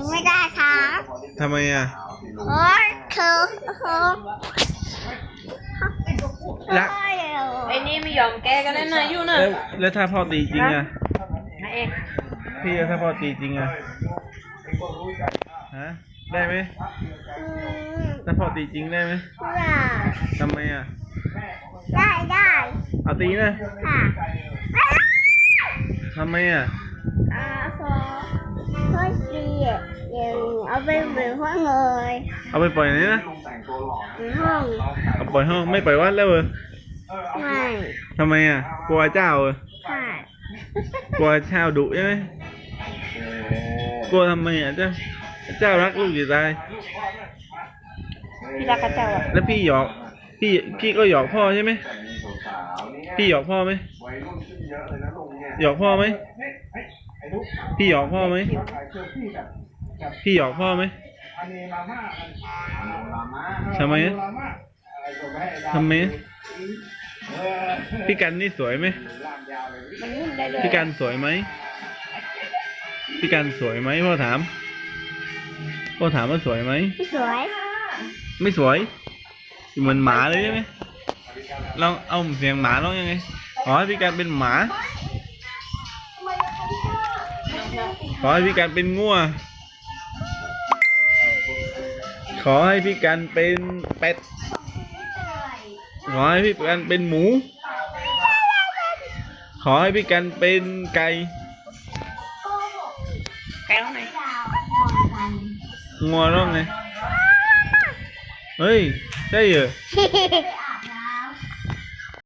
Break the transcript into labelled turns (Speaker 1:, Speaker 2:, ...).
Speaker 1: ไม่ได้ครับ
Speaker 2: ทำไมอ่ะ
Speaker 1: โอ้ยคือ
Speaker 2: รัก
Speaker 3: ไอ้นี่ไม่ยอมแก้กันแล้วนะอยู่นะ
Speaker 2: แล้วถ้าพ่อตีจริงอ่ะ
Speaker 3: นะเอก
Speaker 2: พี่ถ้าพ่อตีจริงอ่ะฮะได้ไหมถ้าพ่อตีจริงได้ไหมทำไมอ่ะ
Speaker 1: ได้
Speaker 2: เอาตีนะ
Speaker 1: ค่ะ
Speaker 2: ทำไมอ่ะ
Speaker 1: พอพ่อตียังเอาไปเปิดห้องเลย
Speaker 2: เอาไปปล่อยไหนนะ
Speaker 1: ห้อง
Speaker 2: เอาปล่อยห้องไม่ปล่อยวัดแล้วเหรอ
Speaker 1: ไม่
Speaker 2: ทำไมอ่ะกลัวเจ้าเหรอ
Speaker 1: ค่ะ
Speaker 2: กลัวเจ้าดุใช่ไหมกลัวทำไมอ่ะเจ้ารักลูกอยู่ตาย
Speaker 3: พี่รักกับเจ้าอ่ะ
Speaker 2: แล้วพี่หยอกพี่ก็หยอกพ่อใช่ไหมพี่หยอกพ่อไหมหยอกพ่อไหมพี่หยอกพ่อไหมพี่หยอกพ่อไหมทำไมอะทำไมอะพี่กันนี่สวยไหม
Speaker 3: มันนิ่มได้เลย
Speaker 2: พี่กันสวยไหมพี่กันสวยไหมพ่อถามว่าสวยไหม
Speaker 1: สวย
Speaker 2: ไม่สวยเหมือนหมาเลยใช่ไหมลองเอาเสียงหมาร้องยังไงขอให้พี่กันเป็นหมาขอให้พี่กันเป็นงัวขอให้พี่กันเป็นเป็ดขอให้พี่กันเป็นหมูขอให้พี่กันเป็นไก่
Speaker 3: แก้วไหน
Speaker 2: งัวร้องไงเฮ้ยใช่เหรอ